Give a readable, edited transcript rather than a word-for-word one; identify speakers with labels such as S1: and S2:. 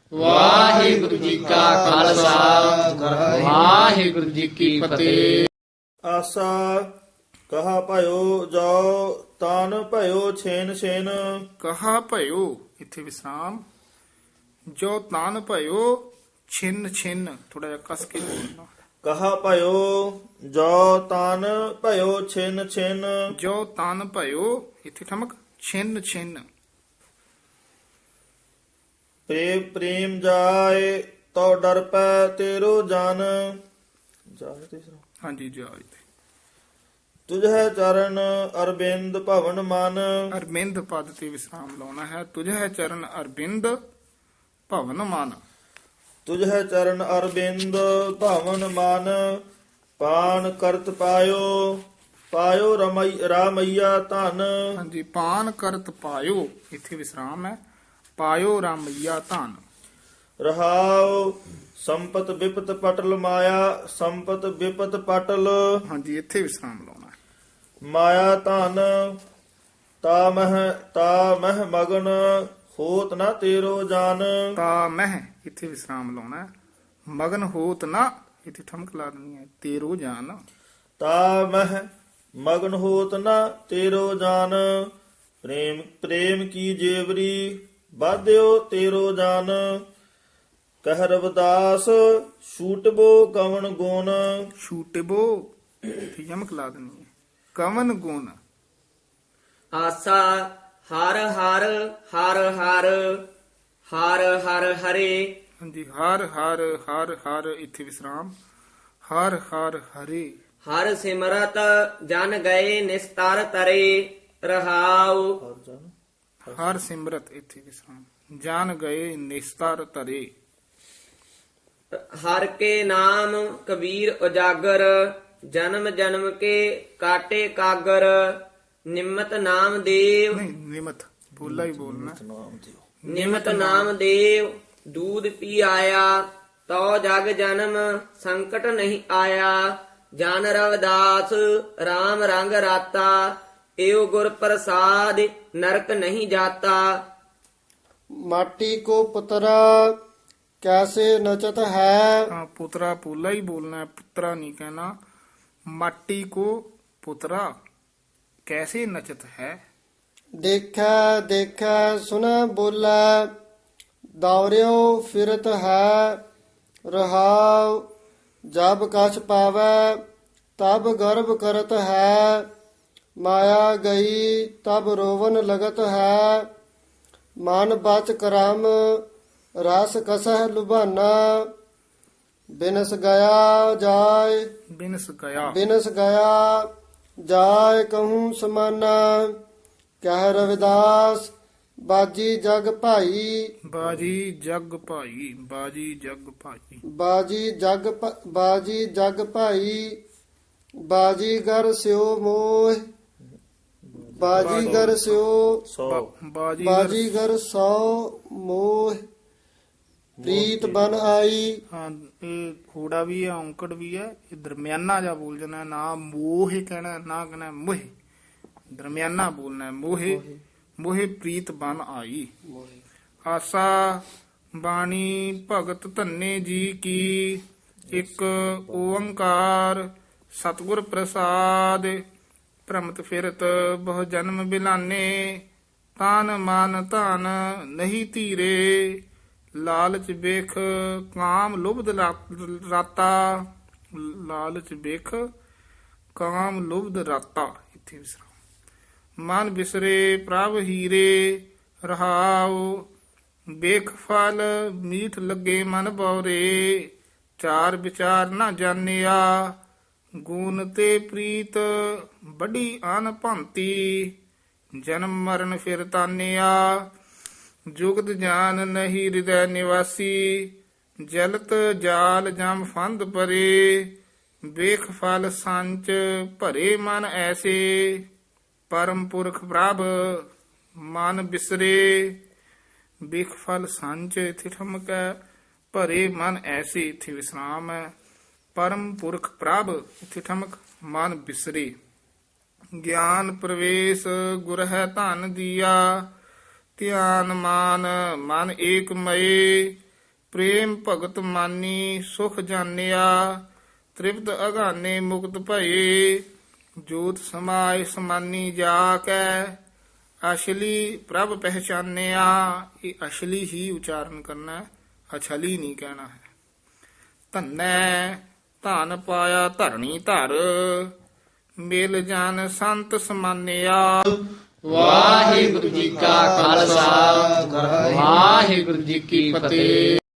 S1: ਵਾਹਿਗੁਰੂ ਜੀ ਕਾ ਖਾਲਸਾ ਵਾਹਿਗੁਰੂ ਜੀ ਕੀ ਫਤਿਹ।
S2: ਆਸਾ ਕਹਾ ਭਇਓ ਜਾਓ ਤਨ ਭਇਓ ਛੇਨ ਛੇਨ।
S3: ਕਹਾ ਭਇਓ ਇੱਥੇ ਵਿਸਰਾਮ, ਜੋ ਤਾਨ ਭਇਓ ਛਿੰਨ ਛਿੰਨ, ਥੋੜਾ ਜਿਹਾ ਕਸ ਕੇ ਬੋਲਣਾ।
S2: ਕਹਾ ਭਇਓ ਜੋ ਤਨ ਭਇਓ ਛਿਨ ਛਿਨ।
S3: ਜੋ ਤਾਨ ਭਇਓ ਇੱਥੇ ਠਮਕ, ਛਿੰਨ ਛਿੰਨ।
S2: ਪ੍ਰੇਮ ਪ੍ਰੇਮ ਜਾਏ ਤੋ ਡਰ ਪੈ ਤੇਰੋ ਜਨ। ਜਾਏ ਤੀਸਰਾ
S3: ਹਾਂਜੀ ਜੀ ਆਇ ਤੇ
S2: ਤੁਝੇ ਚਰਨ ਅਰਬਿੰਦ ਭਵਨ ਮਨ।
S3: ਅਰਬਿੰਦ ਪਦ ਤੇ ਵਿਸਰਾਮ ਲਾਉਣਾ ਹੈ। ਤੁਝੇ ਚਰਨ ਅਰਬਿੰਦ ਭਵਨ ਮਨ।
S2: ਤੁਝੇ ਚਰਨ ਅਰਬਿੰਦ ਭਵਨ ਮਨ। ਪਾਨ ਕਰਤ ਪਾਇਓ ਪਾਇਓ ਰਾਮਈਆ ਧਨ।
S3: ਹਾਂਜੀ, ਪਾਨ ਕਰਤ ਪਾਇਓ ਇੱਥੇ ਵਿਸਰਾਮ ਹੈ। ਪਾਇਓ ਰਾਮਈਆ ਧਨ।
S2: ਰਹਾਉ ਸੰਪਤ ਵਿਪਤ ਪਟਲ ਮਾਇਆ ਸੰਪਤ ਵਿਪਤ ਪਟਲ।
S3: ਹਾਂਜੀ, ਇੱਥੇ ਵਿਸਰਾਮ ਲਾਉਣਾ ਹੈ।
S2: ਮਾਇਆ ਧਨ ਤਾ ਮਹਿ ਮਗਨ ਹੋਤ ਨਾ ਤੇਰੋ ਜਨ।
S3: ਤਾ ਮਹਿ ਇੱਥੇ ਵਿਸਰਾਮ ਲਾਉਣਾ ਹੈ। ਮਗਨ ਹੋਤ ਨਾ ਇੱਥੇ ਠਮਕ ਲਾ ਦੇਣੀ ਹੈ। ਤੇਰੋ ਜਾਨ।
S2: ਤਾ ਮਹਿ ਮਗਨ ਹੋਤ ਨਾ ਤੇਰੋ ਜਨ। ਪ੍ਰੇਮ ਪ੍ਰੇਮ ਕੀ ਜੇਵਰੀ ਬਾਧਿਓ ਤੇਰੋ ਜਨ। ਕਹਿ ਰਵਿਦਾਸ ਛੂਟਬੋ ਕਵਣ ਗੁਣ।
S3: ਛੂਟਬੋ ਇੱਥੇ ਯਮਕ ਲਾ ਦੇਣੀ ਹੈ। ਕਵਨ ਗੁਣ।
S1: ਆਸਾ ਹਰ ਹਰ ਹਰ ਹਰ ਹਰ ਹਰ ਹਰੇ।
S3: ਹਾਂਜੀ, ਹਰ ਹਰ ਹਰ ਹਰ ਇੱਥੇ ਵਿਸਰਾਮ। ਹਰ ਹਰ ਹਰੇ।
S1: ਹਰ ਸਿਮਰਤ ਜਨ ਗਏ ਨਿਸਤਰ ਤਰੇ। ਰਹਾਉ
S3: ਹਰ ਸਿਮਰਤ ਇੱਥੇ ਵਿਸਰਾਮ। ਜਾਨ ਗਏ ਨਿਸਤਰ ਤਰੇ।
S1: ਹਰ ਕੇ ਨਾਮ ਕਬੀਰ ਉਜਾਗਰ। ਜਨਮ ਜਨਮ ਕੇ ਕਾਟੇ ਕਾਗਰ। ਨਿਮਤ ਨਾਮ ਦੇਵ
S3: ਨਹੀਂ, ਨਿਮਤ ਬੋਲਾ ਹੀ ਬੋਲਣਾ।
S1: ਨਿਮਤ ਨਾਮ ਦੇਵ ਦੂਧ ਪੀ ਆਇਆ। ਤੋ ਜਗ ਜਨਮ ਸੰਕਟ ਨਹੀਂ ਆਇਆ। ਜਨ ਰਵਿਦਾਸ RAM ਰੰਗ ਰਾਤਾ। ਏਉ ਗੁਰ ਪ੍ਰਸਾਦ ਨਰਕ ਨਹੀਂ ਜਾਤਾ।
S4: माटी को पुतरा कैसे नचत है।
S3: ਹਾਂ, ਪੁੱਤਰਾ ਪੋਲਾ ਹੀ ਬੋਲਣਾ ਹੈ, ਪੁੱਤਰਾ ਨਹੀਂ ਕਹਿਣਾ। ਮਾਟੀ ਕੋ ਪੁੱਤਰਾ ਕੈਸੇ ਨਚਤ ਹੈ।
S4: देखा देखा सुना बोला दौड़ियो फिरत है। रहाव जब कछ पावै तब गर्भ करत है। माया गई तब रोवन लगत है। मन बच करम रस कसह लुभाना। बिनस गया जाय
S3: ਬਿਨਸ ਗਿਆ।
S4: बिनस गया जाय कहूँ समाना। कह रविदास बाजी जग भाई।
S3: ਬਾਜੀ ਜਗ ਭਾਈ। ਬਾਜੀ ਜਗ ਭਾਈ।
S4: बाजी जग भाई। बाजीगर स्यो मोह। बाजीगर स्यो
S2: ਸੋ
S3: ਬਾਜੀ
S4: बाजीगर सौ मोह। प्रीत बन आई।
S3: ਹਾਂ, ਇਹ ਖੋੜਾ ਵੀ ਹੈ, ਔਂਕੜ ਵੀ ਹੈ। ਇਹ ਦਰਮਿਆਨਾ ਜਾ ਬੋਲ ਜਾਣਾ, ਨਾ ਮੋਹ ਕਹਿਣਾ ਨਾ ਕਹਿਣਾ ਮੋਹ। ਦਰਮਿਆਨਾ ਬੋਲਣਾ ਹੈ। ਮੋਹੇ ਮੋਹੇ ਪ੍ਰੀਤ ਬਨ ਆਈ। ਆਸਾ ਬਾਣੀ ਭਗਤ ਧੰਨੇ ਜੀ ਕੀ। ਇੱਕ ਓੰਕਾਰ ਸਤਿਗੁਰ ਪ੍ਰਸਾਦ। ਭ੍ਰਮਤ ਫਿਰਤ ਬਹੁ ਜਨਮ ਬਿਲਾਨੇ। ਤਾਨ ਮਨ ਧਨ ਨਹੀਂ ਧੀਰੇ। ਲਾਲਚ ਵੇਖ ਕਾਮ ਲੁਭਦ ਰਾਤਾ। ਲਾਲਚ ਵੇਖ ਕਾਮ ਲੁਭਦ ਰਾਤਾ ਇੱਥੇ ਵਿਸਰਾਮ। ਮਨ ਬਿਸਰੇ ਪ੍ਰਭ ਹੀਰੇ। ਰਹਾਉ ਵੇਖ ਫਲ ਮੀਠ ਲੱਗੇ ਮਨ ਬਉਰੇ। ਚਾਰ ਵਿਚਾਰ ਨਾ ਜਾਣਿਆ ਗੁਣ ਤੇ ਪ੍ਰੀਤ ਬੜੀ ਅਨ ਭੰਤੀ। ਜਨਮ ਮਰਨ ਫਿਰ ਤਾਨਿਆ ਜੁਗਤ ਜਾਨ ਨਹੀਂ ਹਿਰਦੈ ਨਿਵਾਸੀ। ਜਲਤ ਜਾਲ ਜਮ ਫੰਦ ਪਰੇ। ਵੇਖ ਫਲ ਸੰਚ ਭਰੇ ਮਨ ਐਸੇ। ਪਰਮ ਪੁਰਖ ਪ੍ਰਭ ਮਨ ਬਿਸਰੇ। ਵੇਖ ਫਲ ਸੰਚ ਇੱਥੇ ਠਮਕ ਹੈ। ਭਰੇ ਮਨ ਐਸੇ ਇੱਥੇ ਵਿਸਰਾਮ ਹੈ। ਪਰਮ ਪੁਰਖ ਪ੍ਰਭ ਇੱਥੇ ਠਮਕ। ਮਨ ਬਿਸਰੇ। ਗਿਆਨ ਪ੍ਰਵੇਸ਼ ਗੁਰ ਹੈ ਧਨ ਦੀਆ। ਧਿਆਨ ਮਾਨ ਮਨ ਏਕ ਮਏ। ਪ੍ਰੇਮ ਭਗਤ ਮਾਨੀ ਸੁਖ ਜਾਣਿਆ ਤ੍ਰਿਪਤ ਅਗਾਨੇ ਮੁਕਤ ਭਏ ਜੋਤ ਸਮਾਏ ਸਮਾਨੀ ਜਾ ਕੈ ਅਸ਼ਲੀ ਪ੍ਰਭ ਪਹਿਚਾਨਿਆ। ਇਹ ਅਸ਼ਲੀ ਹੀ ਉਚਾਰਨ ਕਰਨਾ, ਅਛਲੀ ਨਹੀਂ ਕਹਿਣਾ ਹੈ। ਧੰਨੈ ਧਨ ਪਾਇਆ ਧਰਣੀ ਧਰ ਮਿਲ ਜਾਨ ਸੰਤ ਸਮਾਨਿਆ।
S5: ਵਾਹਿਗੁਰੂ ਜੀ ਕਾ ਖਾਲਸਾ ਵਾਹਿਗੁਰੂ ਜੀ ਕੀ ਫਤਿਹ।